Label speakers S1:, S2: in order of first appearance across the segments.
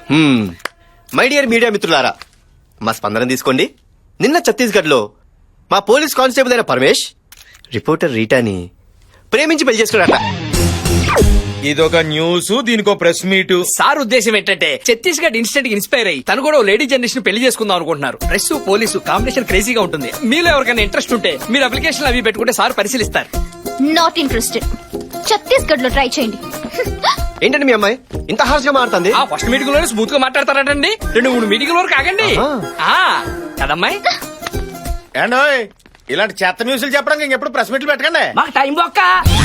S1: My dear media మిత్రులారా, మా స్పందన తీసుకోండి. నిన్న ఛత్తీస్గఢ్ లో మా పోలీస్ కానిస్టేబుల్ అయిన పరమేష్ రిపోర్టర్ రీటాని ప్రేమించి పెళ్లి చేసుకున్నాడట.
S2: ఇదొక న్యూస్, దీనికో ప్రెస్ మీట్.
S3: సార్ ఉద్దేశం ఏంటంటే ఛత్తీస్గఢ్ ఇన్స్టెంట్ ఇన్స్పైర్ అయ్యి తను కూడా లేడీ జనరేషన్ పెళ్లి చేసుకుందాం అనుకుంటున్నారు. ప్రెస్ పోలీసు కాంబినేషన్ క్రేజీగా ఉంటుంది. మీలో ఎవరికైనా ఇంట్రెస్ట్ ఉంటే మీరు అప్లికేషన్ అవి పెట్టుకుంటే సార్ పరిశీలిస్తారు.
S4: Not interested. ఛత్తీస్గఢ్ లో ట్రై చేయండి.
S1: ఏంటండి మీ అమ్మాయి ఇంత హార్ష్ గా మారుతుంది?
S3: ఆ ఫస్ట్ మీటింగ్ లోనే స్మూత్ గా మాట్లాడతారటండి. 2-3 మీటింగ్ వరకు ఆగండి. కదమ్మాయి,
S2: ఏండోయ్ ఇలాంటి చెత్త న్యూస్లు చెప్పడానికి ఇంకెప్పుడు ప్రెస్ మీట్లు పెట్టకండి.
S3: మాకు టైం బొక్క.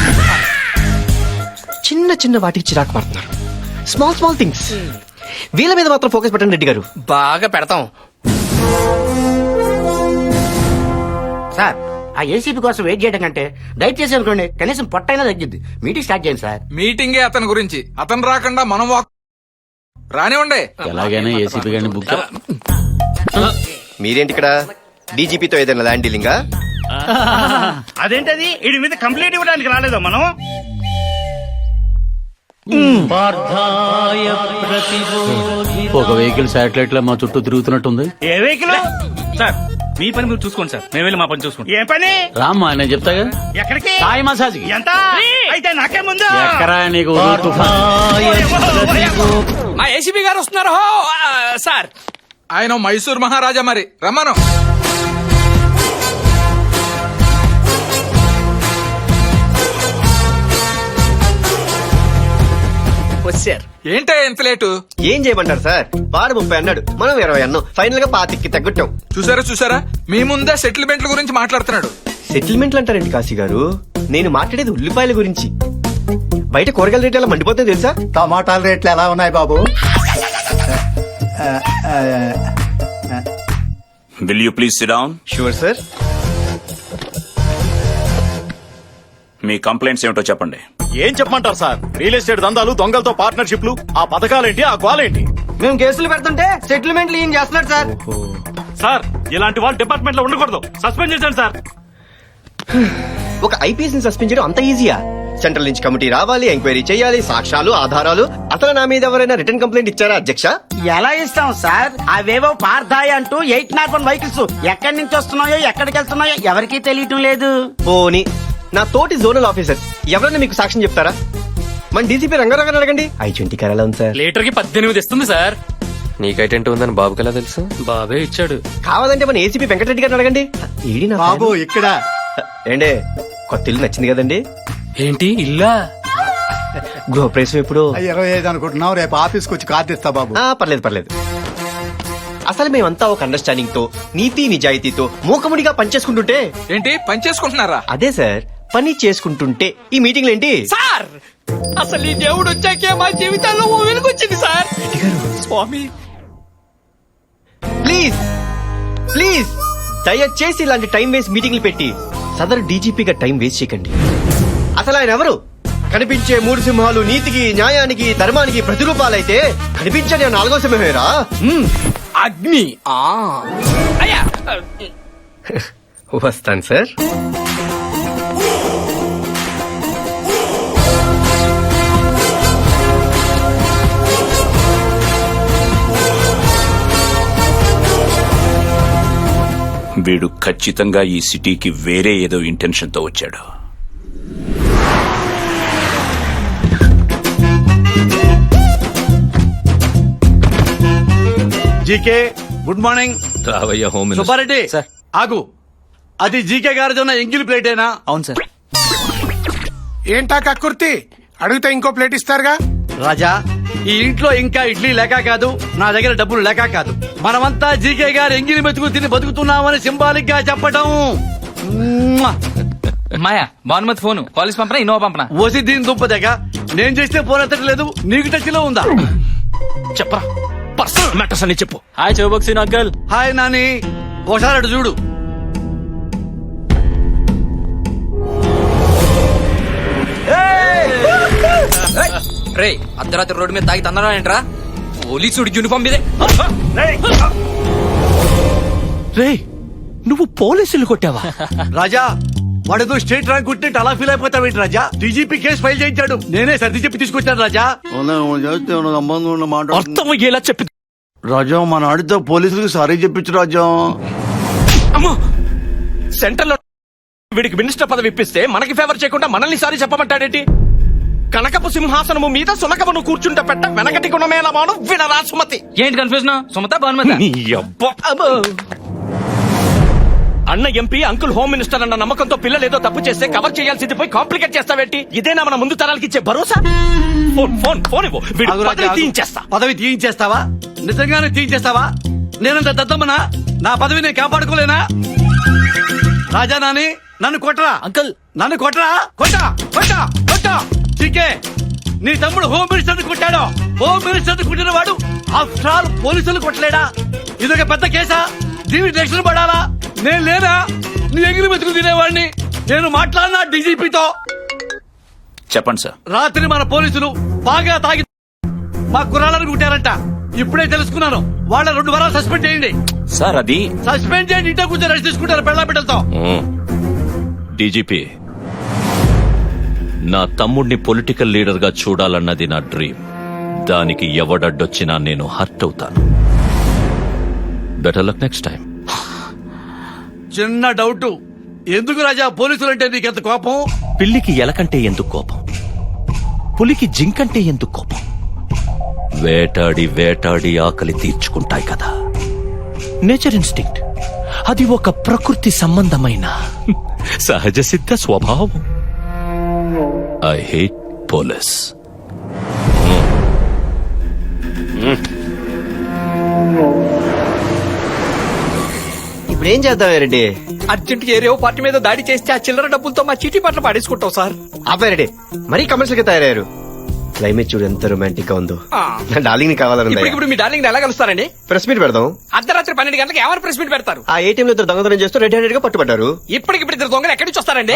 S1: చిన్న చిన్న వాటికి చిరాకు పడుతున్నారు. Small small things. వీళ్ళ మీద మాత్రం ఫోకస్ పెట్టండి రెడ్డి గారు.
S3: బాగా పెడతాం
S5: సార్. ఆ ఏసీపీ కోసం వెయిట్ చేయడం కంటే దయచేసి అనుకోండి, కనీసం పొట్టైనా తగ్గిద్ది. మీటింగ్ స్టార్ట్ చేయండి సార్.
S6: మీటింగే అతని గురించి, అతను రాకుండా మనం రానివ్వండి.
S7: ఎలాగైనా ఏసీపీ గారిని బుక్
S1: మీరేంటి ఇక్కడ? డీజీపీతో ఏదైనా ల్యాండ్ డీలింగా?
S8: అదేంటది? వీడి మీద కంప్లైంట్ ఇవ్వడానికి రాలేదా మనం?
S7: ఒక వెహికల్ శాటిలైట్ లో మా చుట్టూ తిరుగుతున్నట్టుంది.
S8: ఏ వెహికల్? సార్ మీ పని మీరు చూసుకోండి సార్, మేము వెళ్ళి మా పని చూసుకుంటాం. ఏ పని?
S7: రామ్మా నేను చెప్తాగా.
S8: ఎక్కడికి?
S7: సాయి మసాజ్.
S8: ఎంత అయితే నాకే ముందు.
S7: ఎక్కరా నీకు
S3: మా ఏసీపీ గారు వస్తున్నారు. సార్
S6: ఆయన మైసూర్ మహారాజా, మరి రమ్మను.
S3: వచ్చారు.
S6: ఏంటే ఎంత లేటు?
S1: ఏం చేయమంటారు సార్? వాడు 30 అన్నాడు, మనం 20 అన్నాం. ఫైనల్ గా 25కి తగ్గట్టాం.
S6: చూసారా మీ ముందే సెటిల్మెంట్ల గురించి మాట్లాడుతున్నాడు.
S1: సెటిల్మెంట్లు అంటారండి కాశీ గారు? నేను మాట్లాడేది ఉల్లిపాయల గురించి. బయట కూరగాయల రేట్లు ఎలా మండిపోతుంది తెలుసా?
S9: టమాటాల రేట్లు ఎలా ఉన్నాయి బాబు?
S10: Will you please sit down?
S1: Sure sir.
S10: మీ కంప్లైంట్స్ ఏమిటో చెప్పండి.
S2: ఏం చెప్పమంటారు సార్? రియల్ ఎస్టేట్ దందాలు, దొంగలతో పార్ట్నర్షిప్లు, ఆ పథకాలేంటి, ఆ గోలేంటి?
S1: మేము కేసులు పెడుతుంటే సెటిల్మెంట్లు ఏం చేస్తున్నారు సార్?
S8: సార్ ఇలాంటి వాళ్ళు డిపార్ట్మెంట్ లో ఉండకూడదు, సస్పెండ్ చేశాను సార్.
S1: ఒక ఐపీఎస్ ని సస్పెండ్ చేయడం అంత ఈజీయా? సెంట్రల్ నుంచి కమిటీ రావాలి, ఎంక్వైరీ చేయాలి, సాక్ష్యాలు, ఆధారాలు. అసలు నా మీద ఎవరైనా రిటర్న్ కంప్లైంట్ ఇచ్చారా అధ్యక్ష?
S5: ఎలా ఇస్తాం సార్? అవేవో పార్థాయి అంటూ 801 వెహికల్స్ ఎక్కడి నుంచి వస్తున్నాయో ఎక్కడికి వెళ్తున్నాయో ఎవరికీ తెలియటం లేదు.
S1: పోనీ నా తోటి జోనల్ ఆఫీసర్ ఎవరైనా మీకు సాక్ష్యం చెప్తారా? మన డీసీపీ రంగారావు అడగండి. I-20 కార్ ఎలా ఉంది సార్?
S3: లీటర్ కి 18 ఇస్తుంది సార్.
S11: నీకైటెంట్ ఉందని బాబుకి ఎలా తెలుసు?
S3: బాబే ఇచ్చాడు.
S1: కావాలంటే మన ఏసీపీ వెంకటరెడ్డి గారిని అడగండి. ఏడి నా
S9: బాబు ఇక్కడ
S1: ఏండే కొత్త ఇల్లు నచ్చింది కదండి?
S3: ఏంటి ఇల్లా?
S1: గృహప్రవేశం ఎప్పుడు?
S9: 25 అనుకుంటున్నావు, రేపు ఆఫీస్కి వచ్చి కార్డు ఇస్తా బాబు.
S1: పర్లేదు. అసలు మేమంతా ఒక అండర్స్టాండింగ్ తో, నీతి నిజాయితీతో మూకముడిగా పనిచేసుకుంటుంటే.
S6: ఏంటి పని చేసుకుంటున్నారా?
S1: అదే సార్, పని చేసుకుంటుంటే ఈ మీటింగ్లు ఏంటి
S3: సార్? అసలు ఈ దేవుడు వచ్చాకే మా జీవితాల్లో ఓ వెలుగొచ్చింది సార్. స్వామి
S1: ప్లీజ్ దయచేసి ఇలాంటి టైం వేస్ట్ మీటింగ్లు పెట్టి సదరు డీజీపీగా టైం వేస్ట్ చేయకండి. అసలు ఆయన ఎవరు? కనిపించే 3 సింహాలు నీతికి, న్యాయానికి, ధర్మానికి ప్రతిరూపాలైతే కనిపించని 4వ సింహమేరా
S3: అగ్ని. అయ్యా
S1: వస్తాను సార్.
S10: వీడు ఖచ్చితంగా ఈ సిటీకి వేరే ఏదో ఇంటెన్షన్ తో వచ్చాడు.
S8: GK good morning.
S11: రావయ్య హోమ్
S8: సుబ్బారెడ్డి ఆగు. అది జీకే గారిది ఉన్న ఎంగిల్ ప్లేటేనా?
S3: అవును సార్.
S2: ఏంటా కక్కుర్తి? అడిగితే ఇంకో ప్లేట్ ఇస్తారుగా.
S8: రాజా, ఈ ఇంట్లో ఇంకా ఇడ్లీ లేక కాదు, నా దగ్గర డబ్బులు లేక కాదు. మనమంతా జీకే గారు ఎంగిలి మెతుకు తిని బతుకుతున్నామని సింబాలిక్ గా చెప్పడం.
S3: మాయా భానుమతి ఫోన్ కాలేజ్ పంపనా ఇన్నోవా పంపనా?
S8: ఓసి దీని దుంపదగ. నేను చేస్తే ఫోన్ ఎత్తట్లేదు, నీకు టచ్ లో ఉందా?
S3: చెప్పరా పర్సనల్ మ్యాటర్స్ అని చెప్పు. హాయ్ చౌబక్సీన్ అంకల్.
S8: హాయ్ నాని, ఒకసారి అటు చూడు.
S3: రే అర్ధరాత్రి రోడ్డు మీద తాగి తందడం ఏంట్రా? పోలీసుడి యూనిఫామ్ మీదే.
S8: రే నువ్వు పోలీసులు కొట్టావా? రాజా, వాడేదో స్టేట్ ర్యాంక్ కొట్టినట్టు అలా ఫీల్ అయిపోతావేంటి రాజా? డీజీపీ కేసు ఫైల్ చేయించాడు, నేనే సర్ది చెప్పి తీసుకొచ్చాను రాజా.
S2: అర్థం అయ్యేలా చెప్పి
S8: రాజా మన ఆడితో పోలీసులకు సారీ చెప్పించు రాజా.
S2: అమ్మో సెంటర్ లో వీడికి మినిస్టర్ పదవి ఇప్పిస్తే మనకి ఫేవర్ చేయకుండా మనల్ని సారి చెప్పమంటాడేంటి? కనకపు సింహాసనము మీద సునకమును కూర్చుంటే పెట్ట వెనకటి గుణమేళమాను వినరా సుమతి.
S3: ఏంటి కన్ఫ్యూజన్? సుమత భానుమతి.
S2: నీ అబ్బా. అన్న ఎంపీ అంకుల్ హోమ్ మినిస్టర్ అన్న నమ్మకంతో పిల్లలు ఏదో తప్పు చేస్తే కవర్ చేయాల్సింది పోయి కాంప్లికేట్ చేస్తావేంటి? ఇదేనా మన ముందు తరాలకి ఇచ్చే భరోసా? ఫోన్ ఫోన్ ఫోన్ ఇవ్వు. వీడి
S8: ఆగు రాజా,
S2: పదవి
S8: ఆగు.
S2: తీయించేస్తా.
S8: పదవి తీయించేస్తావా? నిజంగానే తీయించేస్తావా? నేనంత దద్దమ్మనా? నా పదవి నేను కాపాడుకోలేనా? రాజా నాని నన్ను కొట్టరా
S3: అంకుల్.
S8: నన్ను కొట్టరా. కొట్టా కొట్టా కొట్టా. చీకే నీ తమ్ముడు హోమ్ మినిస్టర్ కొట్టాడు. హోమ్ మినిస్టర్ కొట్టిన వాడు ఆఫ్టర్ ఆల్ పోలీసులు కొట్టలేడా? ఇదొక పెద్ద కేసా? దీనికి రక్షణ పడాలా? నేను లేనా? నీ ఎగిరి మెతుకు తినేవాడిని. నేను మాట్లాడినా డీజీపీతో.
S10: చెప్పండి సార్.
S8: రాత్రి మన పోలీసులు బాగా తాగి మా కుర్రాళ్ళని కుట్టారంట. ఇప్పుడే తెలుసుకున్నాను. వాళ్ళ 2 వారాలు సస్పెండ్ చేయండి.
S10: సార్ అది
S8: సస్పెండ్ చేయండి. ఇంట్లో కూర్చొని రెస్ట్ తీసుకుంటారు పెళ్ళ బిడ్డలతో.
S11: డీజీపీ, నా తమ్ముడిని పొలిటికల్ లీడర్ గా చూడాలన్నది నా డ్రీమ్. దానికి ఎవడడ్డొచ్చినా నేను హర్ట్ అవుతాను. Better luck next time.
S8: చిన్న డౌట్, ఎందుకు రాజా పోలీసులు అంటే నీకెంత కోపం?
S11: పిల్లికి ఎలకంటే ఎందుకు కోపం? పులికి జింకంటే ఎందుకు కోపం? వేటాడి వేటాడి ఆకలి తీర్చుకుంటాయి కదా. Nature instinct. అది ఒక ప్రకృతి సంబంధమైన సహజ సిద్ధ స్వభావం. I hate police.
S1: ఇప్పుడు ఏం చేద్దాం రెడ్డి?
S3: అర్జెంట్ ఏరియో పార్టీ మీద దాడి చేస్తే ఆ చిల్లర డబ్బులతో మా చీటీ పట్ల పాడేసుకుంటాం సార్.
S1: ఆపే రెడ్డి, మరీ కమర్షియల్ గా తయారయ్యారు. క్లైమేట్ చూడు ఎంత రొమాంటిక్ గా ఉందో.
S3: ఆ.
S1: నా డార్లింగ్ ని కావాలని
S3: ఇప్పుడు మీ డార్లింగ్ ఎలా కలుస్తారండి?
S1: ప్రెస్ మీట్ పెడదాం.
S3: అర్ధరాత్రి 12 గంటలకు ఎవరు ప్రెస్ మీట్ పెడతారు?
S1: ఆ ఏటీఎం లో ఇద్దరు దొంగతనం చేస్తూ రెడ్ హ్యాండెడ్ గా పట్టుబడ్డారు.
S3: ఇప్పటికిప్పుడు ఇద్దరు దొంగలు ఎక్కడి నుంచి వస్తారండి?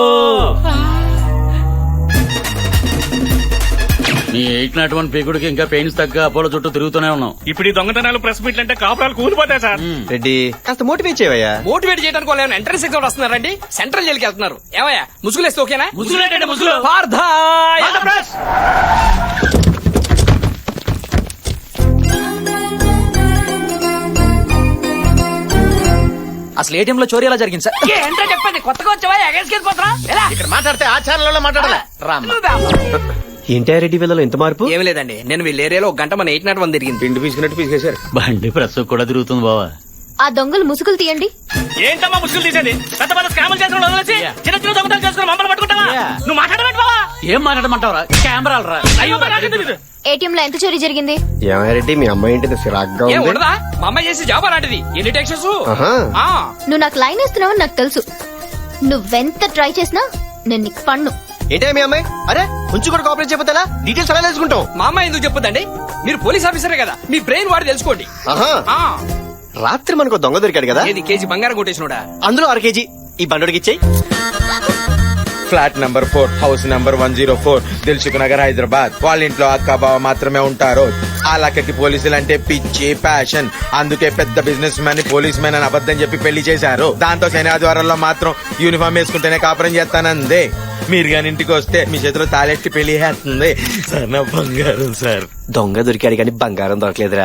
S7: నీ 801 పీకుడికి ఇంకా పెయిన్స్ తగ్గ అపోలో చుట్టూ తిరుగుతూనే ఉన్నాం.
S2: ఇప్పుడు ఈ దొంగతనాలు ప్రెస్ మీట్లు అంటే కాపురాలు కూలిపోతాయి సార్.
S1: రెడ్డి కాస్త మోటివేట్ చేయవయ్యా.
S3: మోటివేట్ చేయడానికి వాళ్ళు ఏమైనా ఎంట్రన్స్ ఎగ్జామ్ వస్తున్నారండి? సెంట్రల్ జైలుకి వెళ్తున్నారు. ఏమయ్యా ముసుగులేస్తే ఓకేనా?
S2: ముసుగులేటండి, ముసుగులు.
S3: పార్థాయ్.
S5: అసలు ఏటీఎం లో చోరీ ఎలా జరిగింది సార్?
S3: ఏంటో చెప్పండి. కొత్తగా వచ్చావా? ఎగేసుకెళ్ళిపోతున్నా? ఎలా?
S2: ఇక్కడ మాట్లాడితే ఆచారాలలో మాట్లాడాలి.
S1: ఏంటి రెడ్డి వీళ్ళలో ఎంత మార్పు?
S3: ఏమి లేదండి, నేను వీళ్ళ ఏరియాలో ఒక గంట మన 801 తిరిగింది.
S1: పిండి పీసుకున్నట్టు పీసుకేశారు.
S7: బండి ప్రస్ కూడా తిరుగుతుంది బావా.
S4: ఆ దొంగలు ముసుగులు తీయండి.
S2: ఏంటమ్మా ముసుగులు తీసేది? పెద్ద పెద్ద స్కాములు చేసిన వదిలేసి చిన్న చిన్న దొంగతనాలు చేసుకుని మమ్మల్ని పట్టుకుంటావా? నువ్వు మాట్లాడమంటే బావా?
S7: ఏం మాట్లాడమంటావరా? కెమెరాలు రా.
S2: అయ్యో నాకే తెలీదు.
S4: ఏటీఎం లో ఎంత చోరీ జరిగింది?
S1: ఏమయ్య రెడ్డి, మీ అమ్మాయి ఏంటి సిరాగ్గా
S3: ఏం
S1: ఉంది?
S3: ఉండదా? మా అమ్మాయి చేసి జాబ్ అలాంటిది. ఎన్ని టెక్షన్స్?
S1: ఆహా.
S4: నువ్వు నాకు లైన్ వేస్తున్నావు నాకు తెలుసు. నువ్వెంత ట్రై చేసినా నేను నీకు పన్ను.
S1: ఏంటే మీ అమ్మాయి? అరే కొంచెం కూడా కోఆపరేట్ చేయకపోతే ఎలా? డీటెయిల్స్ ఎలా తెలుసుకుంటాం?
S3: మా అమ్మాయి ఎందుకు చెప్పొద్దండి? మీరు పోలీస్ ఆఫీసరే కదా, మీ బ్రెయిన్ వాడి తెలుసుకోండి.
S1: ఆహా.
S3: ఆ,
S1: రాత్రి మనకు దొంగ దొరికాడు కదా,
S3: ఏది కేజీ బంగారం కొట్టేసినోడా?
S1: అందులో 1/2 కేజీ ఈ బండోడికి ఇచ్చేయి.
S6: Flat number 4 house number 104 Dilsukh Nagar Hyderabad. వాళ్ళ ఇంట్లో అక్క బావ మాత్రమే ఉంటారు. ఆ లక్కకి పోలీసులు అంటే పిచ్చి ప్యాషన్. అందుకే పెద్ద బిజినెస్ మ్యాన్ పోలీస్ మ్యాన్ అని అబద్ధం చెప్పి పెళ్లి చేశారు. దాంతో శని ఆదివారంలో మాత్రం యూనిఫామ్ వేసుకుంటేనే కాపురం చేస్తానందే. మీరు గాని ఇంటికి వస్తే మీ చేతిలో తాళెట్టి పెళ్లి చేస్తుంది సార్. నా బంగారం సార్.
S1: దొంగ దొరికాడు కానీ బంగారం దొరకలేదురా.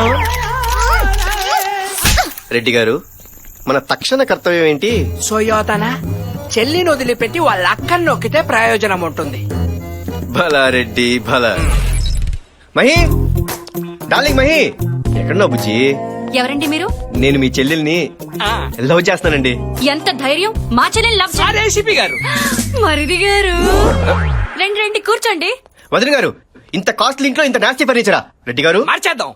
S1: రెడ్డి గారు, మన తక్షణ కర్తవ్యం ఏంటి?
S3: సోయోతన చెల్లిని వదిలిపెట్టి వాళ్ళ అక్కని నొక్కితే ప్రయోజనం ఉంటుంది.
S1: భలా రెడ్డి భలా. మహి, డార్లింగ్ మహి, ఎక్కడున్నావు బుజ్జి?
S4: ఎవరండి మీరు?
S1: నేను మీ చెల్లెల్ని లవ్ చేస్తానండి.
S4: ఎంత ధైర్యం మా చెల్లెని లవ్
S3: అదే ఏసీపీ గారు.
S4: మరిది గారు రండి రండి కూర్చోండి.
S1: వదిన గారు, ఇంత కాస్ట్లీ ఇంట్లో ఇంత నాస్తి ఫర్నిచరా? రెడ్డి గారు,
S3: మార్చేద్దాం.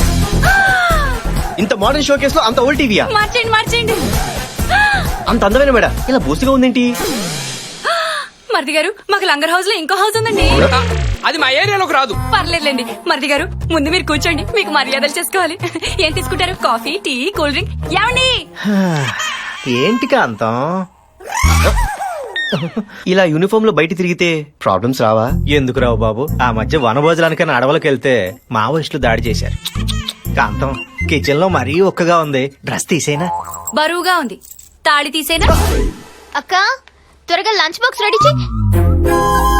S1: ఇంత మోడర్న్ షో కేసులో అంత ఓల్డ్ టీవీయా?
S4: మార్చండి మార్చండి.
S1: అంత అందమైన మేడ ఇలా బూసిగా ఉందేంటి?
S4: మరిది గారు మాకు లంగర్ హౌస్ లో ఇంకో హౌస్ ఉందండి.
S3: అది మా ఏరియాలోకి రాదు.
S4: పర్లేదులేండి. మరిది గారు ముందు మీరు కూర్చోండి, మీకు మర్యాదలు చేసుకోవాలి. ఏం తీసుకుంటారు? Coffee, tea, cool drink? ఏమండి?
S1: ఏంటి కాంతం ఇలా యూనిఫామ్ లో బయట తిరిగితే ప్రాబ్లమ్స్ రావా?
S12: ఎందుకు రావు బాబు? ఆ మధ్య వనభోజనానికైనా అడవులకు వెళ్తే మావోయిస్టులు దాడి చేశారు. కాంతం, కిచెన్ లో మరీ ఒక్కగా ఉంది. డ్రెస్ తీసేనా?
S4: బరువుగా ఉంది. తాళి తీసేనా? అక్క త్వరగా లంచ్ బాక్స్ రెడీ చేయి